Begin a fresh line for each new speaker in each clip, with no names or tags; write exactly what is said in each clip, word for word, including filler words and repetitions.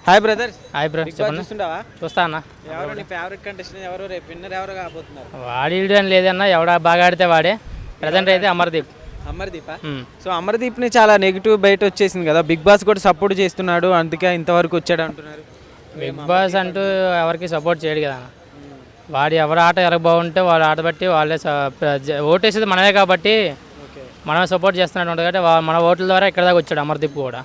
Hi brother.
Hi bro, చెప్పండి.
చూస్తుంటావా?
చూస్తా అన్న.
ఎవరు నీ ఫేవరెట్ కంటెస్టెంట్ ఎవరు? రేపు విన్నర్ ఎవరు కాబోతున్నారు?
వాడి అని లేదన్న, ఎవడ బాగా ఆడితే వాడే. ప్రజెంట్ అయితే అమర్దీప్.
అమర్దీప్. సో అమర్దీప్ని చాలా నెగిటివ్ బయట వచ్చేసింది కదా, బిగ్ బాస్ కూడా సపోర్ట్ చేస్తున్నాడు, అందుకే ఇంతవరకు వచ్చాడు అంటున్నారు.
బిగ్ బాస్ అంటూ ఎవరికి సపోర్ట్ చేయడు కదా. వాడు ఎవరు ఆట ఎలా బాగుంటే వాళ్ళ ఆట బట్టి వాళ్ళే ఓటేసేది మనమే కాబట్టి మనమే సపోర్ట్ చేస్తున్నట్టు ఉంటుంది కాబట్టి మన ఓట్ల ద్వారా ఇక్కడ దాకా వచ్చాడు అమర్దీప్ కూడా.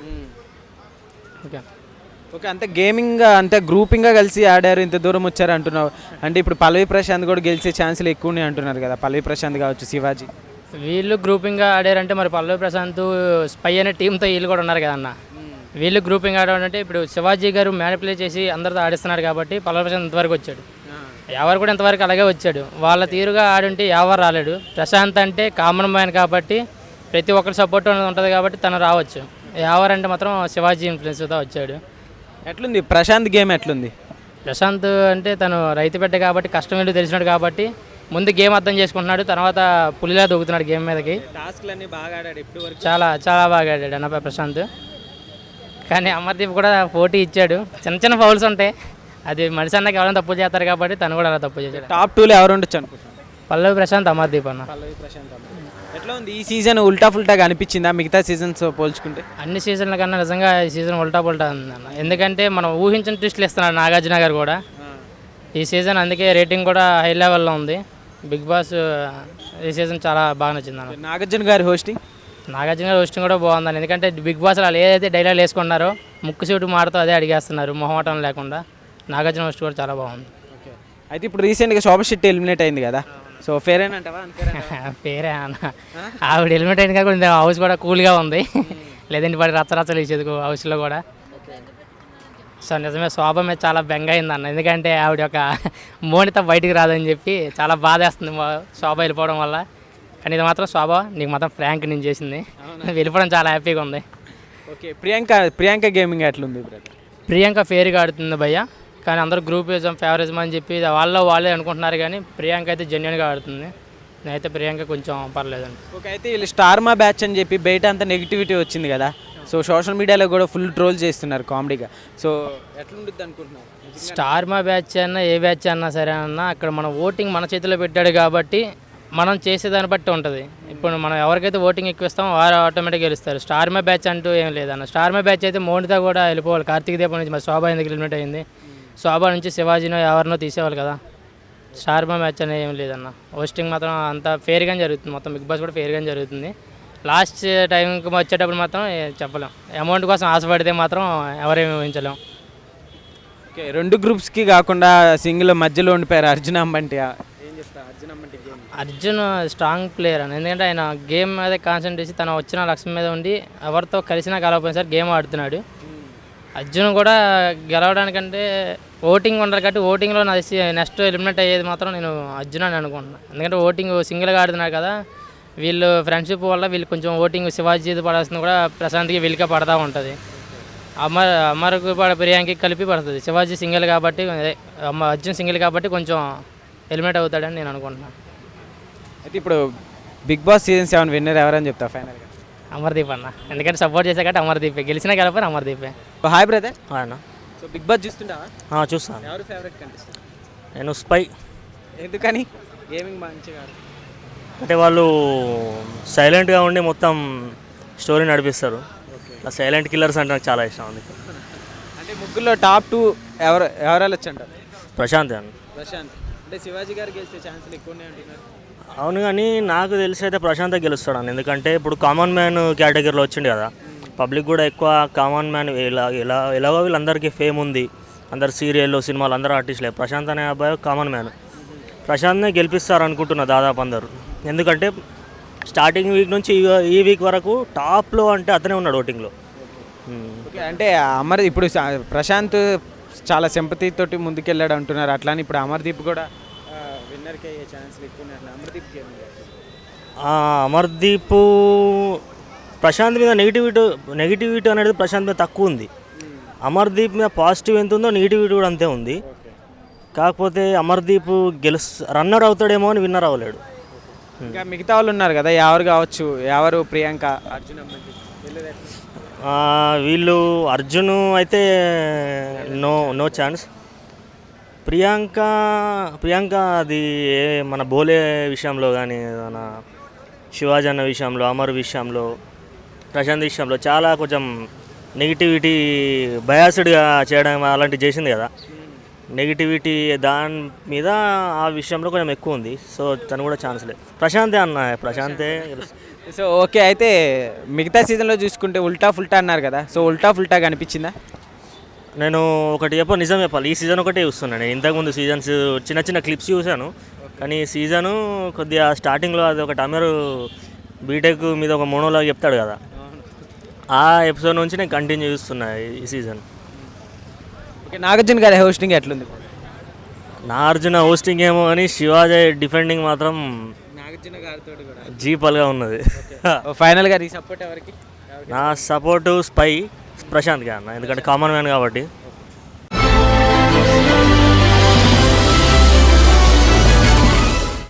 ఓకే
ఓకే అంతే గేమింగ్ అంతే గ్రూపింగ్గా కలిసి ఆడారు, ఇంత దూరం వచ్చారు అంటున్నావు. అంటే ఇప్పుడు పల్లవి ప్రశాంత్ కూడా గెలిచే ఛాన్సులు ఎక్కువనే అంటున్నారు కదా, పల్లవి ప్రశాంత్ కావచ్చు, శివాజీ.
వీళ్ళు గ్రూపింగ్గా ఆడారంటే మరి పల్లవి ప్రశాంత్ స్పై అనే టీంతో వీళ్ళు కూడా ఉన్నారు కదన్న. వీళ్ళు గ్రూపింగ్ ఆడాలంటే ఇప్పుడు శివాజీ గారు మ్యానిపులేట్ చేసి అందరితో ఆడిస్తున్నాడు కాబట్టి పల్లవి ప్రశాంత్ ఇంతవరకు వచ్చాడు. ఎవరు కూడా ఇంతవరకు అలాగే వచ్చాడు. వాళ్ళ తీరుగా ఆడుంటే ఎవరు రాలేడు. ప్రశాంత్ అంటే కామన్ మ్యాన్ కాబట్టి ప్రతి ఒక్కరి సపోర్ట్ ఉంటుంది కాబట్టి తను రావచ్చు. ఎవరు అంటే మాత్రం శివాజీ ఇన్ఫ్లుయెన్స్తో వచ్చాడు.
ఎట్లుంది ప్రశాంత్ గేమ్ ఎట్లుంది?
ప్రశాంత్ అంటే తను రైతు బిడ్డ కాబట్టి కష్టం ఏంటో తెలిసినాడు కాబట్టి ముందు గేమ్ అర్థం చేసుకుంటున్నాడు, తర్వాత పులిలా దూకుతున్నాడు గేమ్ మీదకి.
టాస్క్లన్నీ బాగా ఆడాడు ఇప్పుడు వరకు.
చాలా చాలా బాగా ఆడాడు అన్న ప్రశాంత్. కానీ అమర్దీప్ కూడా పోటీ ఇచ్చాడు. చిన్న చిన్న ఫౌల్స్ ఉంటాయి, అది మనిషి అన్నకి ఎవరైనా తప్పు చేస్తారు కాబట్టి తను కూడా అలా తప్పు చేశాడు.
టాప్ టూలో ఎవరు ఉండొచ్చు అనుకుంటున్నాను?
పల్లవి ప్రశాంత్, అమర్దీప్ అన్న.
పల్లవి ప్రశాంత్. ఎట్లా ఉంది ఈ సీజన్? ఉల్టా ఫుల్టాగా అనిపించిందా మిగతా సీజన్స్ పోల్చుకుంటే?
అన్ని సీజన్ల కన్నా నిజంగా ఈ సీజన్ ఉల్టా పుల్టా ఉందన్న. ఎందుకంటే మనం ఊహించిన ట్విస్టులు ఇస్తున్నాడు నాగార్జున గారు కూడా ఈ సీజన్, అందుకే రేటింగ్ కూడా హై లెవెల్లో ఉంది. బిగ్ బాస్ ఈ సీజన్ చాలా బాగా నచ్చింది అన్న.
నాగార్జున గారి హోస్టింగ్
నాగార్జున గారి హోస్టింగ్ కూడా బాగుందని. ఎందుకంటే బిగ్ బాస్ వాళ్ళు ఏదైతే డైలాగ్ వేసుకున్నారో ముక్కు సూటు మాటతో అదే అడిగేస్తున్నారు, మొహమాటం లేకుండా. నాగార్జున హోస్ట్ కూడా చాలా బాగుంది.
అయితే ఇప్పుడు రీసెంట్గా శోభ శెట్టి ఎలిమినేట్ అయింది కదా, సో ఫేరేనంటావా?
పేరే అన్న, ఆవిడ ఎలిమినేట్ అయింది కాబట్టి హౌస్ కూడా కూల్గా ఉంది. లేదంటే వాడి రచ్చరచ్చలు ఇచ్చేది హౌస్లో కూడా. సో నిజమే శోభ మీద చాలా బెంగ అయింది అన్న. ఎందుకంటే ఆవిడ యొక్క మోనిత బయటికి రాదని చెప్పి చాలా బాధేస్తుంది శోభ వెళ్ళిపోవడం వల్ల. కానీ ఇది మాత్రం శోభ నీకు మాత్రం ఫ్రాంక్ నేను చేసింది, వెళ్ళిపోవడం చాలా హ్యాపీగా ఉంది.
ఓకే ప్రియాంక ప్రియాంక గేమింగ్ ఎట్లుంది?
ప్రియాంక ఫేర్గా ఆడుతుంది భయ్య, కానీ అందరూ గ్రూపిజం ఫేవరిజం అని చెప్పి వాళ్ళు వాళ్ళే అనుకుంటున్నారు, కానీ ప్రియాంక అయితే జెన్యున్గా ఆడుతుంది. నేనైతే ప్రియాంక కొంచెం పర్లేదండి.
ఓకే అయితే వీళ్ళు స్టార్ మా బ్యాచ్ అని చెప్పి బయట అంతా నెగిటివిటీ వచ్చింది కదా, సో సోషల్ మీడియాలో కూడా ఫుల్ ట్రోల్ చేస్తున్నారు కామెడీగా. సో ఎట్లుంటుంది అనుకుంటున్నారు?
స్టార్ మా బ్యాచ్ అన్నా ఏ బ్యాచ్ అన్నా సరే అన్నా అక్కడ మన ఓటింగ్ మన చేతిలో పెట్టాడు కాబట్టి మనం చేసేదాన్ని బట్టి ఉంటుంది. ఇప్పుడు మనం ఎవరికైతే ఓటింగ్ ఎక్కువ ఇస్తామో వారు ఆటోమేటిక్గా గెలుస్తారు. స్టార్ మా బ్యాచ్ అంటూ ఏం లేదన్న. స్టార్ మా బ్యాచ్ అయితే మోనిత కూడా వెళ్ళిపోవాలి. కార్తీక దీపం నుంచి మరి శోభ ఎందుకు ఎలిమినేట్ అయింది? శోభ నుంచి శివాజీనో ఎవరినో తీసేవాళ్ళు కదా. స్టార్ మా మ్యాచ్ అనేది ఏం లేదన్న. హోస్టింగ్ మాత్రం అంత ఫేర్గానే జరుగుతుంది, మొత్తం బిగ్ బాస్ కూడా ఫేర్గానే జరుగుతుంది. లాస్ట్ టైంకి వచ్చేటప్పుడు మాత్రం చెప్పలేం. అమౌంట్ కోసం ఆశపడితే మాత్రం ఎవరేమి ఊహించలేం.
ఓకే రెండు గ్రూప్స్కి కాకుండా సింగిల్ మధ్యలో ఉండిపోయారు అర్జున్ అంబంటి. ఏం చెప్తా అర్జున్ అంబంటి?
అర్జున్ స్ట్రాంగ్ ప్లేయర్ అని, ఎందుకంటే ఆయన గేమ్ మీద కాన్సన్ట్రేట్ చేసి తన వచ్చిన లక్ష్యం మీద ఉండి ఎవరితో కలిసినా కలవపోయిన సార్ గేమ్ ఆడుతున్నాడు. అర్జున్ కూడా గెలవడానికంటే ఓటింగ్ ఉండరు కాబట్టి ఓటింగ్లో నా నెక్స్ట్ ఎలిమినేట్ అయ్యేది మాత్రం నేను అర్జున్ అని అనుకుంటున్నాను. ఎందుకంటే ఓటింగ్ సింగిల్గా ఆడుతున్నారు కదా, వీళ్ళు ఫ్రెండ్షిప్ వల్ల వీళ్ళు కొంచెం ఓటింగ్ శివాజీ పడాల్సింది కూడా ప్రశాంత్కి వీళ్ళకే పడతా ఉంటుంది. అమర్ అమర్కు పడ ప్రియాంకి కలిపి పడుతుంది. శివాజీ సింగిల్ కాబట్టి అమ్మ అర్జున్ సింగిల్ కాబట్టి కొంచెం ఎలిమినేట్ అవుతాడని నేను అనుకుంటున్నాను.
అయితే ఇప్పుడు Bigg Boss season seven winner ఎవరని చెప్తా ఫైనల్గా?
అమర్దీప్ అన్న, ఎందుకంటే సపోర్ట్ చేసే కాబట్టి అమర్దీపే, గెలిచినా గెలపని అమర్దీపే.
Hi brother.
అన్న
సో బిగ్ బాస్ చూస్తుంటావా?
చూస్తాను.
ఎవరు ఫేవరెట్ కంటెస్టెంట్?
నేను స్పై.
ఎందుకని? గేమింగ్ మంచిగా
అంటే వాళ్ళు సైలెంట్గా ఉండి మొత్తం స్టోరీ నడిపిస్తారు. ఆ సైలెంట్ కిల్లర్స్ అంటే నాకు చాలా ఇష్టం ఉంది.
అంటే ముగ్గురులో టాప్ టూ ఎవరు ఎవరు వెళ్ళొచ్చు అంటారు?
ప్రశాంత్ అన్న.
ప్రశాంత్ అంటే శివాజీ గారు గెలిచే ఛాన్సులు ఎక్కువనే అంటున్నారు.
అవును, కానీ నాకు తెలిసి అయితే ప్రశాంత్ గెలుస్తాడు అన్న. ఎందుకంటే ఇప్పుడు కామన్ మ్యాన్ కేటగిరీలో వచ్చింది కదా, పబ్లిక్ కూడా ఎక్కువ కామన్ మ్యాన్ ఎలా ఎలా ఎలాగో వీళ్ళందరికీ ఫేమ్ ఉంది, అందరు సీరియల్లో సినిమాలు అందరూ ఆర్టిస్టులే. ప్రశాంత్ అనే అబ్బాయి కామన్ మ్యాన్. ప్రశాంత్నే గెలిపిస్తారు అనుకుంటున్నా దాదాపు అందరు. ఎందుకంటే స్టార్టింగ్ వీక్ నుంచి ఈ వీక్ వరకు టాప్లో అంటే అతనే ఉన్నాడు ఓటింగ్లో.
ఓకే అంటే అమర్ ఇప్పుడు ప్రశాంత్ చాలా సింపతి తోటి ముందుకెళ్ళాడు అంటున్నారు, అట్లానే ఇప్పుడు అమర్దీప్ కూడా విన్నర్కి అయ్యే ఛాన్సులు ఎక్కువ ఉన్నాయి. అమర్దీప్
అమర్దీప్ ప్రశాంత్ మీద నెగిటివిటీ నెగిటివిటీ అనేది ప్రశాంత్ మీద తక్కువ ఉంది. అమర్దీప్ మీద పాజిటివ్ ఎంత ఉందో నెగిటివిటీ కూడా అంతే ఉంది. కాకపోతే అమర్దీప్ గెలుస్ రన్నర్ అవుతాడేమో అని విన్నర్ అవ్వలేడు.
ఇంకా మిగతా వాళ్ళు ఉన్నారు కదా, ఎవరు కావచ్చు, ఎవరు ప్రియాంక, అర్జున్
ఆ, వీళ్ళు అర్జున్ అయితే no no chance. Priyanka Priyanka అది ఏ- మన బోలే విషయంలో కానీ మన శివాజీ అన్న విషయంలో, అమర్ విషయంలో, ప్రశాంత్ విషయంలో చాలా కొంచెం నెగిటివిటీ బయాస్డ్గా చేయడం అలాంటివి చేసింది కదా. నెగిటివిటీ దాని మీద ఆ విషయంలో కొంచెం ఎక్కువ ఉంది. సో తను కూడా ఛాన్స్ లేదు. ప్రశాంతే అన్న, ప్రశాంతే గెలుస్తుంది.
సో ఓకే, అయితే మిగతా సీజన్లో చూసుకుంటే ఉల్టా ఫుల్టా అన్నారు కదా, సో ఉల్టా ఫుల్టా కనిపించిందా?
నేను ఒకటి చెప్ప నిజం చెప్పాలి, ఈ సీజన్ ఒకటే చూస్తున్నాను. నేను ఇంతకుముందు సీజన్స్ చిన్న చిన్న క్లిప్స్ చూశాను, కానీ ఈ సీజను కొద్దిగా స్టార్టింగ్లో అది ఒకటి అమరు బీటెక్ మీద ఒక మోనోలాగా చెప్తాడు కదా, ఆ ఎపిసోడ్ నుంచి నేను కంటిన్యూ చేస్తున్నా ఈ సీజన్.
ఓకే, నాగార్జున గారి హోస్టింగ్ ఎట్లుంది?
నాగార్జున హోస్టింగ్ ఏమో కానీ శివాజీ డిఫెండింగ్ మాత్రం
నాగార్జున గారితో కూడా
జీపల్గా ఉన్నది.
ఫైనల్గా నీ సపోర్ట్ ఎవరికి?
నా సపోర్టు స్పై ప్రశాంత్గా అన్న, ఎందుకంటే కామన్ మ్యాన్ కాబట్టి.